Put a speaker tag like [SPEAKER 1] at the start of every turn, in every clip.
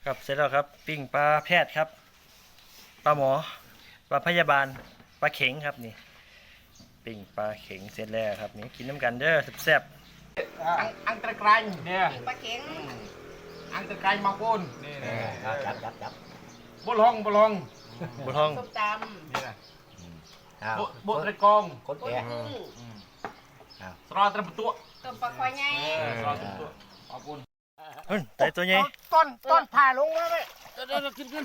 [SPEAKER 1] ครับเสร็จแล้วครับปิ้งปลาแพทย์ครับปลาหมอปลาพยาบาลปลาเข็งครับนี่ปิ้งปลาเข็งเสร็จแล้วครับนี่กินน้ำกันเด้อแซ่บ
[SPEAKER 2] อังตะไคร้เนี่ย
[SPEAKER 3] ปลาเข็ง
[SPEAKER 2] อังตะไคร้มาปูนนี่
[SPEAKER 4] จับ
[SPEAKER 2] บุลอง
[SPEAKER 1] ๆบุท้อง
[SPEAKER 3] ส้มต
[SPEAKER 2] นี่นะ
[SPEAKER 4] อ้าว
[SPEAKER 2] บุตรกอง
[SPEAKER 4] คน
[SPEAKER 3] ำต้น
[SPEAKER 4] แก่
[SPEAKER 3] กุ้ง
[SPEAKER 2] สรอตระตัว
[SPEAKER 3] ต้มปลาควายใหญ่
[SPEAKER 2] สรอตระตัวมาปูน
[SPEAKER 1] แต่ตัวใหญ่
[SPEAKER 5] ต้นผ่าลงไว้เดี๋ยวกิน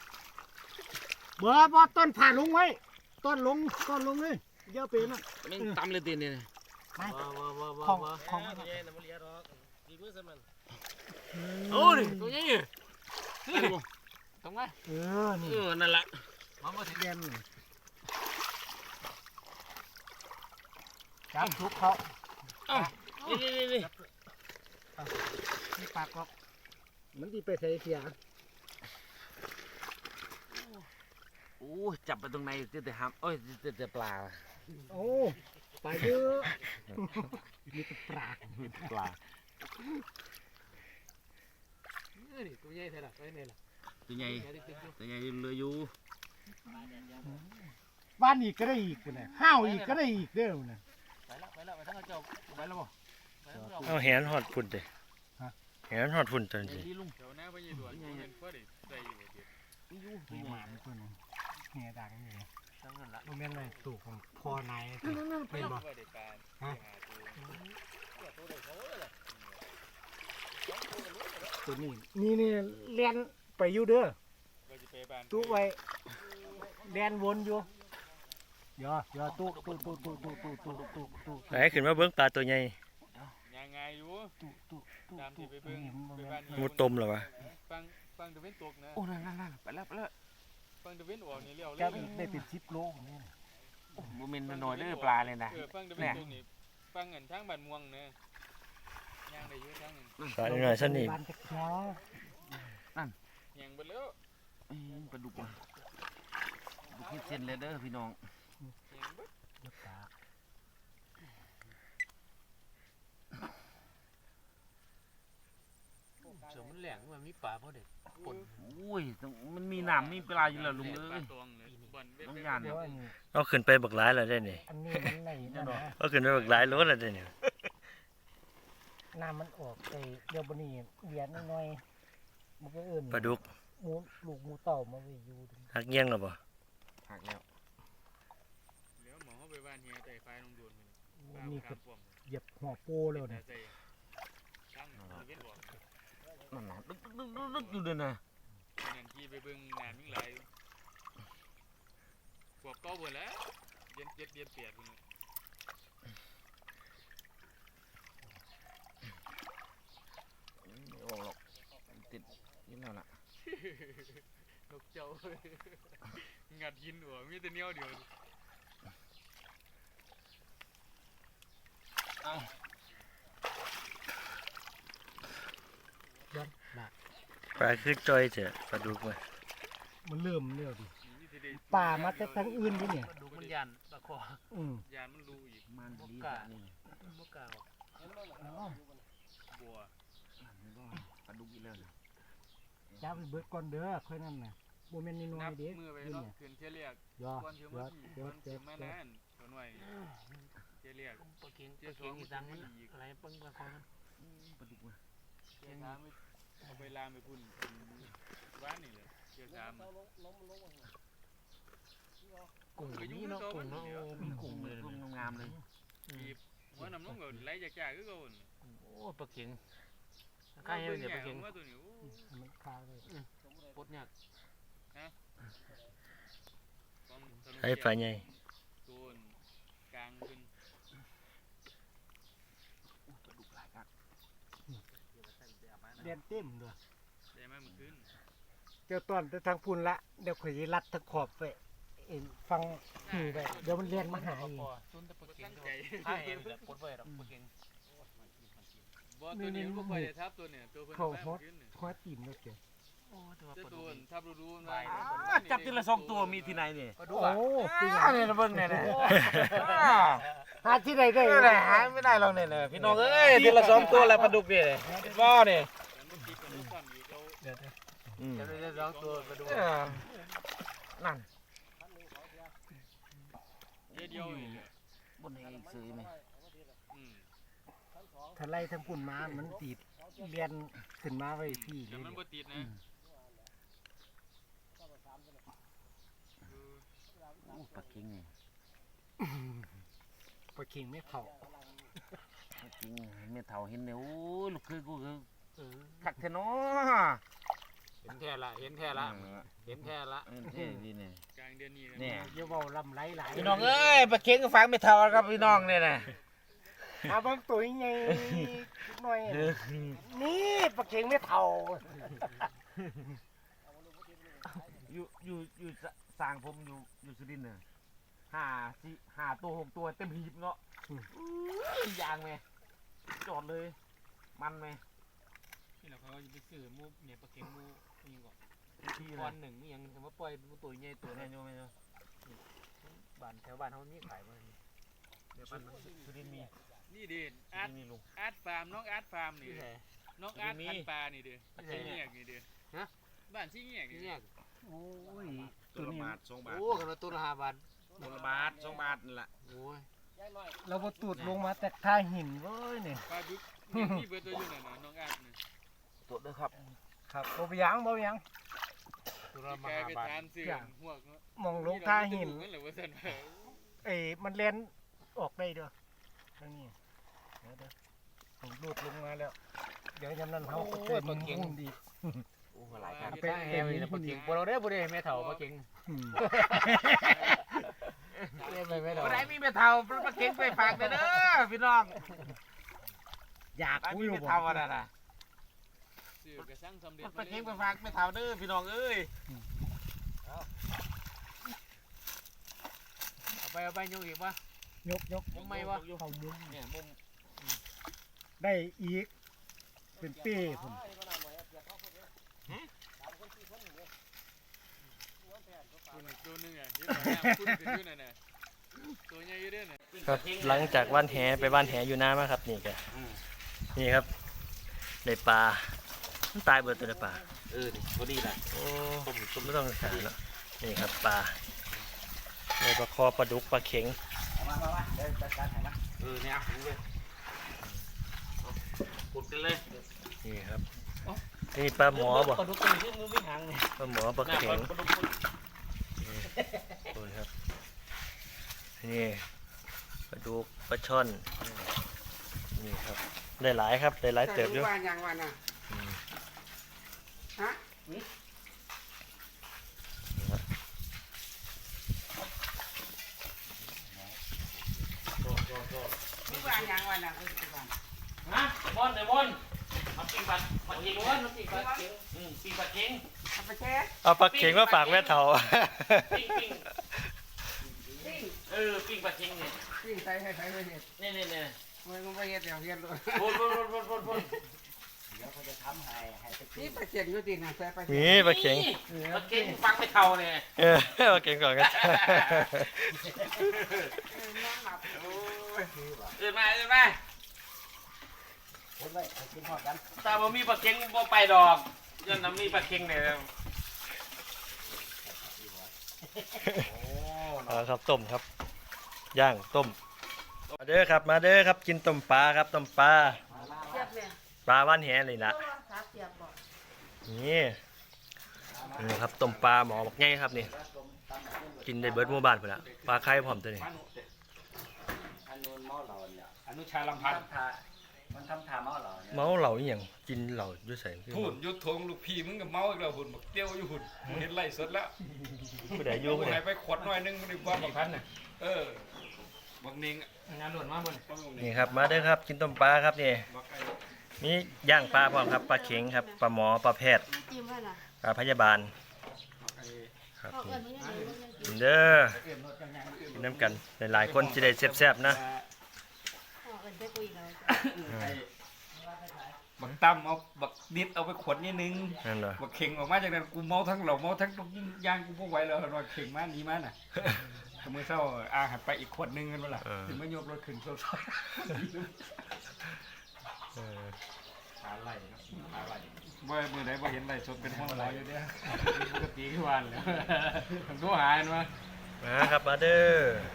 [SPEAKER 5] บ่ต้นผ่าลงไว้ต้นลงเลยเยอะไปนะ
[SPEAKER 6] มันตำเลยตีนี่
[SPEAKER 5] ของ
[SPEAKER 6] โอ้ยตัวใหญ่นี่ตรงไหน
[SPEAKER 5] นี่
[SPEAKER 6] นั่นแหละ
[SPEAKER 5] เด่นจับทุกเขา
[SPEAKER 6] นี่
[SPEAKER 5] ไม่ปากหรอกมันดีไปใส่เสีย
[SPEAKER 6] โอ้จับไปตรงไหนแต่หามโอ้ยแต่ปลา
[SPEAKER 5] โอ้ไปเยอะมีแต่ปลา
[SPEAKER 6] ปลา
[SPEAKER 5] ตัวใหญ่ใช่หรอตัวใหญ่
[SPEAKER 6] ตัวใหญ่เรืออยู่
[SPEAKER 5] บ้านอีกก็ได้อีกนะห้าวอีกก็ได้อีกเด้อนะ
[SPEAKER 6] ไปแล้วทั้งเจ้าไปแล้วบ่
[SPEAKER 1] เอาแหนหอดฝุ่นเลยแหนหอดฝุ่นตัวนี้
[SPEAKER 6] ดีลุง
[SPEAKER 2] เดี๋ยวหน้าไปยืดด่วนเห็นเพื่อได้ใส่อยู่เดียว
[SPEAKER 5] มีหมานคนนึงเงี้ยดังนี่
[SPEAKER 6] ทั้งนั้นละ
[SPEAKER 5] โมเมนต์อะไรสูกของพ่อนายเป็นบ่
[SPEAKER 2] เพื่อได้การ
[SPEAKER 5] ตัวนี้นี่เลียนไปอยู่เด้อ
[SPEAKER 2] ก็จะไปบ้าน
[SPEAKER 5] ตู้ไว้เลียนวนอยู่อย่าตู้
[SPEAKER 1] ไหนขึ้นมาเบิ้งปลาตัวใหญ่
[SPEAKER 2] ยังไงอยู่ตามที่ไปเบิ่งไปบ้าน
[SPEAKER 1] มูตมเหรอวะ
[SPEAKER 2] ฟังตะเวนตกนะ
[SPEAKER 6] โอ้นั่นไปแล้ว
[SPEAKER 2] ฟังตะเวนออกนี่เลี้ยวเล
[SPEAKER 5] จะ
[SPEAKER 2] ย
[SPEAKER 5] ได้เป็น10 โลนี่
[SPEAKER 6] โมเมนต์น้อยเด้อปลาเลยนะ
[SPEAKER 2] ฟังตะเวนตกนี่ฟังเงินทางบ้านม่วงเนี่ยย่างได้เยอะทางเงิน
[SPEAKER 1] ปลาหน่อยสั้นนี่
[SPEAKER 5] บ้านจักช้า
[SPEAKER 2] ย่างไปแล้ว
[SPEAKER 6] ปลาดุกคิดเส้นเลยเด้อพี่น้อง
[SPEAKER 2] ย่างเบิด
[SPEAKER 6] เสือมันแหลงมันมีปลาเพราะเด็กปนโอ้ยมันมีน้ำมีปลาอยู่แล้วลุงเอ้ย
[SPEAKER 2] ตวงเลยบ่อนเว้
[SPEAKER 6] ต้อง
[SPEAKER 2] ย
[SPEAKER 6] ยาน
[SPEAKER 5] เดี๋ยวอัน
[SPEAKER 1] เอาขึ้นไปบักหลายแล้วได้นี่
[SPEAKER 5] อันนี้มันไหนนะ
[SPEAKER 1] เอาขึ้นไปบักหลายรถแล้วได้นี่
[SPEAKER 5] น้ำมันออกไปเดี๋ยวบนี้เลียนน้อยมันก็เอิ่น
[SPEAKER 1] ปลาดุก
[SPEAKER 5] หมูลูกหมูเต่ามาไว้อยู่
[SPEAKER 1] หักเงี้ยงหรอปะ
[SPEAKER 6] หักแล้ว
[SPEAKER 2] เดี๋ยวหมอเขาไปบ้านเฮียแต่ไฟลงโดนเลย
[SPEAKER 5] นี่ก็เหยียบหัวโปเลยนะ
[SPEAKER 2] ใส่ช่างตะเวนออก
[SPEAKER 6] นั่นน่ะดึกอยู่เด้อนะ
[SPEAKER 2] นั่นที่ไปเบิ่งน้ำยิ่งไหลพวกเก่าหมดแล้วเย็นเปียกคน
[SPEAKER 6] ไม่ออกหรอกติดนี่แล้วล่ะ
[SPEAKER 2] นกเจ้างัดหินหัวมีแต่เนี้ยเดียว
[SPEAKER 1] ปลาคือจอยเถอะปลาดุกมา
[SPEAKER 5] มันเริ่มแล้วดิป่ามาจากทางอื่นดิเนี่ย
[SPEAKER 6] ดูมันยันตะคอย
[SPEAKER 2] านมันรู้อีก
[SPEAKER 6] มันดีนี่มะกาว
[SPEAKER 2] บัว
[SPEAKER 6] ปลาดุกอีกแล้วนะ
[SPEAKER 5] จ้าไปเบิดก่อนเด้อค่อยนั่นน่ะโมเมนต์น้อ
[SPEAKER 2] นั
[SPEAKER 5] ย
[SPEAKER 2] บ
[SPEAKER 5] ๆเด้
[SPEAKER 2] มือไป
[SPEAKER 5] นี่
[SPEAKER 2] เนาะ
[SPEAKER 5] เนี่ย
[SPEAKER 2] ขึ้นเที่ยเรียก
[SPEAKER 5] ย่อ
[SPEAKER 2] ก่อนเที่ยวมาที่ก่อนเที่ยวมานานตัวหน่อยเที่ยเรียก
[SPEAKER 6] ปลาเค็งอีสังมันอะไรปึ้งปลาคอมันปลาดุกมา
[SPEAKER 2] เที่ยสามเอาไปลามไปพุ่นบ้านนี่เลยเที่ยสาม
[SPEAKER 6] กุ้งนี่เนาะกุ้งเนาะมีกุ้งเลยกุ้งงามเลย
[SPEAKER 2] บีบหัวน้ำน้องก็ไหลจากจ่าคือเก่า
[SPEAKER 6] โอ้ปลาเค็งใกล้เนี่ยปลาเค็ง
[SPEAKER 2] ว่าตัวนี้
[SPEAKER 5] มันคาเลย
[SPEAKER 6] ปดยาก
[SPEAKER 1] ให้ปลาใหญ่
[SPEAKER 2] ตัวกลางขึ้น
[SPEAKER 6] ปลาดุกหลายครับ
[SPEAKER 5] เรียนเต็มด้วย
[SPEAKER 2] ได้ไหมมันขึ้น
[SPEAKER 5] เจ้าต้นไปทางพุ่นละเดี๋ยวข่อยสิรัดตะขอบไปเอ็นฟังหูไปเดี๋ยวมันเรียนมาหาอีก
[SPEAKER 6] ซุนแต่ปลาเค็
[SPEAKER 2] ตั้
[SPEAKER 6] ง
[SPEAKER 2] งใจ
[SPEAKER 6] ใช่แบบปดไปหรอกปลาเค็ง
[SPEAKER 2] บ่ตัวนี้มันบ่ค่อยได้ทับตัวเนี่ยตัวเพิ่น
[SPEAKER 5] เข้า
[SPEAKER 2] แม่
[SPEAKER 5] ฮอด
[SPEAKER 2] ขึ้น
[SPEAKER 5] ฮอดตีนแล้วเจ้า
[SPEAKER 6] โอ้แต่ว่า
[SPEAKER 2] เจ้า
[SPEAKER 6] ปลา
[SPEAKER 2] ตั
[SPEAKER 6] ดุ
[SPEAKER 2] ว
[SPEAKER 6] ก
[SPEAKER 2] ทับรู้ๆ
[SPEAKER 6] จับทีละ2ตัวมีที่ไหนนี่
[SPEAKER 5] โอ้จริง
[SPEAKER 6] เนี่ยนะเบิ่งเนี่ยนะ
[SPEAKER 5] หาที่ใดได้
[SPEAKER 6] หาไม่ได้หรอกเนี่ยพี่น้องเอ้ยทีละ2ตัวแล้วปลาดุกนี่บ่เนี่ย
[SPEAKER 5] เดี๋ยว
[SPEAKER 6] จะได้ร้องตัวมาดู
[SPEAKER 5] นั่น
[SPEAKER 2] เดียวนี่แหละ
[SPEAKER 6] บนเองซื้อไหม
[SPEAKER 2] อืม
[SPEAKER 5] ถ้าไล่ทั้งปุ่นมามันติดเรียนขึ้นมาไว้พี่เล
[SPEAKER 2] แต่
[SPEAKER 5] ย
[SPEAKER 2] มันบ่ติดนะ
[SPEAKER 6] ปลาเค็งนี่
[SPEAKER 5] ปลาเข่งไม่เผา
[SPEAKER 6] ปลาเค็งเมียเฒ่าเห็นเนี่ยโอ้ยลูกคือกูคือคักแท้เนาะ
[SPEAKER 4] เห็นแท้ละเห็นแท้ละเห็นแท้ละ
[SPEAKER 6] เท่ดีเนี่ย
[SPEAKER 2] กลางเดือนนี้ะ
[SPEAKER 6] เนี่ย
[SPEAKER 5] อย่าเว้าลำไรหลาย
[SPEAKER 6] พี่น้องเอ้ยปลาเค็งก็ฟังไม่เท่าครับพี่น้องเนี่ยนะ
[SPEAKER 5] เอาบางตัวยังไงหน่อยนี่ปลาเข่งไม่เผา
[SPEAKER 6] อยู่สร้างผมอยู่สุรินทร์เนี่ยห้าตัว6 ตัวเต็มหีบเนาะยางไหมจอดเลยมันไหม
[SPEAKER 4] นี่แหละเขาจะไปซื้อมูเนี่ยปลาเค็งมูนี่ก่อน
[SPEAKER 6] ที่
[SPEAKER 4] ก้
[SPEAKER 6] นะ
[SPEAKER 4] อนหนึ่งนี่ยังแต่ว่าปล่อยตัวใหญ่ตัว
[SPEAKER 6] แม่
[SPEAKER 4] นั้น
[SPEAKER 6] โยมแม่โยม
[SPEAKER 4] บ้านแถวบ้านเขานี่ขายมาเดี๋ยวบ้านมัน
[SPEAKER 6] สุรินทร์มี
[SPEAKER 2] นี่ดิ
[SPEAKER 6] สุ
[SPEAKER 2] อาร์ต
[SPEAKER 6] รินทร์มีลุง
[SPEAKER 2] อาร์ตฟาร์มน้องอาร์ตฟาร์มนี่
[SPEAKER 4] ที่ไหน
[SPEAKER 2] น้องอาร์ต
[SPEAKER 6] มี
[SPEAKER 2] พันปลานี่ดิ
[SPEAKER 4] ไม่ใช่
[SPEAKER 2] ชี้เงียกนี่ดิ
[SPEAKER 4] ฮะ
[SPEAKER 2] บ้านชี้เงียก
[SPEAKER 4] ที่
[SPEAKER 2] นี่
[SPEAKER 4] เนี่ย
[SPEAKER 6] โอ้ยตัวละบาท2 บาท
[SPEAKER 4] โอ้กันมาตัวละ5 บาท
[SPEAKER 6] ตัวละบาท2 บาทนั่นแหละ
[SPEAKER 4] โอ้ย
[SPEAKER 5] เราบตูดลงมาแต่ท่าหินเว้ยเนี่ย
[SPEAKER 2] ปลาดุกนี่นี่เบิดตัวอยู่นั่นน่ะน้องอาร์ตนี่
[SPEAKER 6] ตัวเด้อครับ
[SPEAKER 5] ครับบ่ไปยังบ่ไปยัง
[SPEAKER 4] ตัวละ
[SPEAKER 2] แกไป
[SPEAKER 4] 5 บาท
[SPEAKER 2] ทานเสื่อมหัวกเนาะ
[SPEAKER 5] มองลงท่าหิน
[SPEAKER 2] นั่นแหละว่าซั่นว่า
[SPEAKER 5] เอ้ยมันเล่นออกได้เด้อทางนี้เดี๋ยวผมลูดลงมาแล้ว เดี๋ยวยามนั้นเขาก็เต้นมุ่นดี
[SPEAKER 6] โอ้หลายครับ
[SPEAKER 5] เป็
[SPEAKER 4] แฮวนี่ปลาเค็งบ่เราได้บ่ได้แม่เฒ่าปลาเค็ง
[SPEAKER 5] อืม
[SPEAKER 4] เรียกไปแม่เฒ่า
[SPEAKER 6] บ่ได้มีแม่เฒ่าปลาเค็งไปฝากเด้อพี่น้อง
[SPEAKER 5] อยาก
[SPEAKER 6] ได้
[SPEAKER 5] กู
[SPEAKER 6] มี
[SPEAKER 5] อยู่
[SPEAKER 6] แม่
[SPEAKER 5] บ่
[SPEAKER 6] เฒ่าอะน่ะ
[SPEAKER 2] ซื้อกระสังสำเร็จ
[SPEAKER 6] ปลาเค็งไปฝากแม่เฒ่าเด้อพี่น้องเอ้ย
[SPEAKER 4] เอาไปยกอีกวะ
[SPEAKER 5] ยก
[SPEAKER 4] มุมไม่วะ
[SPEAKER 5] เข้ามุม
[SPEAKER 6] เนี่ยมุม
[SPEAKER 5] ได้อีก เป็นเป้ผม
[SPEAKER 2] คุณตัวหนึงอ่ะที่ว่าคุณขึ้นอยู่นั่นน่ะตัวใหญ่อยู่เด้อน่ะ
[SPEAKER 1] ครับหลังจากว่านแหไปว่านแหอยู่น้ำมาครับนี่แกนี่ครับได้ปลามันตายเบิดตัวได้ปลา
[SPEAKER 6] นี่พอดีแหละ
[SPEAKER 1] โอ้ผมไม่ต้องหาแล้วนี่ครับปลาในปลาคอปลาดุกปลาเข็ง
[SPEAKER 4] มาเดี๋ยวจัดการให้นะ
[SPEAKER 6] เนี่ยเอาเลยขุดกันเลย
[SPEAKER 1] นี่ครับนี่ปลาหมอบ่
[SPEAKER 4] ปลาดุกตัวนี้มันไม่หางนี่
[SPEAKER 1] ปลาหมอปลาเข็ง
[SPEAKER 6] ปลาดุก
[SPEAKER 1] โอ้ยครับนี่ปลาดุกปลาช่อนนี่ครับได้หลายครับได้หลายเติบอยู่
[SPEAKER 4] ว่าอย่างว่าน่ะ
[SPEAKER 1] อืม
[SPEAKER 4] ฮะ
[SPEAKER 6] นี่ว่าอย่างว่าน่ะฮะบอลเดี๋ยวบอลมาปิ้งปลาเค็งบอลมาปิ้งปลาเค็งปิ้งปลาเค็ง
[SPEAKER 4] เอาไปแช่
[SPEAKER 1] เอาปลาเข็งมาฝากแม่เฒ่า
[SPEAKER 6] ปิ้งปิ้งปิ้งปลาเค็งเนี่ย
[SPEAKER 4] ปิ้งใส่ให้ใส่ไปเห็ด
[SPEAKER 6] เนี่ย
[SPEAKER 4] มันไปเห็ดเดี๋ยวเห็ดเลย
[SPEAKER 6] บน
[SPEAKER 4] เดี๋ยวเขาจะทำให้นี่ปลาเค็งอยู่ดีนะใส่ปลาเค็ง
[SPEAKER 1] นี่ปลาเข็ง
[SPEAKER 6] ปลาเค็งฟังไม่เท่าเนี่ย
[SPEAKER 1] เออปลาเข็งก่อนกัน
[SPEAKER 4] น้ำหนักโอ้ย
[SPEAKER 6] อื่นมา
[SPEAKER 4] คนไว้กินหอดกัน
[SPEAKER 6] แต่บ่มีปลาเค็งบ่ไปดอกยันน้ำมีปลาเค็งเนี่ย
[SPEAKER 1] เอาครับต้มครับย่างต้มมาเด้อครับมาเด้อครับกินต้มปลาครับต้มปลา
[SPEAKER 3] เสียบเนี่ย
[SPEAKER 1] ปลาว่านแหเลยล่ะ
[SPEAKER 3] ขาเสียบบ่
[SPEAKER 1] นี่นี่ครับต้มปลาหมอบอกง่ายครับนี่กินได้เบิดหมู่บ้านพุ่นละปลาไข่พร้อมตัวนี้
[SPEAKER 4] อันนู้นเมาเหล่าเนี่ย
[SPEAKER 6] อนุชาลำพันธ์
[SPEAKER 4] มันทำทาเมาเหล่าเนี่ย
[SPEAKER 1] เมาเหล่าอหย่างกินเหล่าอยู่ใส่
[SPEAKER 2] หุ่นยุดทงลูกพี่มึงก็เมาอีกแล้วหุ่นบักเตี้ยวอยู่หุ่นเห็นไล่สดแล้ว
[SPEAKER 1] ผู้ใดอยู่
[SPEAKER 2] กู
[SPEAKER 1] ผู้ใด
[SPEAKER 2] ให้ไปขวดหน่อยนึงมันดีกว่าบักพันน่ะบักเนง
[SPEAKER 4] งานหลวนมากบน
[SPEAKER 1] นี่ครับมาเด้อครับกินต้มปลาครับนี่
[SPEAKER 2] บักไอ้
[SPEAKER 1] มีย่างปลาพร้อมครับปลาเข็งครับปลาหมอปลาแพทย์
[SPEAKER 3] จิ้มไว้ล่ะ
[SPEAKER 1] ปลาพยาบาล
[SPEAKER 2] บักไอ้
[SPEAKER 1] ครับ
[SPEAKER 3] พอเอิ้นนี่ได้เลยมันยังกิน
[SPEAKER 1] กินเด้อกินน้ำกันหลายๆคนจะได้แซ่บๆนะ
[SPEAKER 3] พอเอิ้นไปคุยแล้ว
[SPEAKER 2] บักตั้มเอาบักนิดเอาไปขวดนิดนึง
[SPEAKER 1] นั่นเหรอ
[SPEAKER 2] บักเข่งออกมาจากนั้นกูเมาทั้งเหล่าเมาทั้งยางกูพวกไหวแล้วรอยเข่งมานี้มาน่ะมือเศร้าหันไปอีกขวดนึงกันวะล่ะถึงไม่ยกรถขึ้นโซ่
[SPEAKER 1] เออ
[SPEAKER 2] หาไหลครับหาไหลบ่มือไหนบ่เห็นไรสดเป็นห้องหมออยู่เด้อปกติทุกวันเลยผมโทรหาเห็นว่า
[SPEAKER 1] มาครับมาเด้อ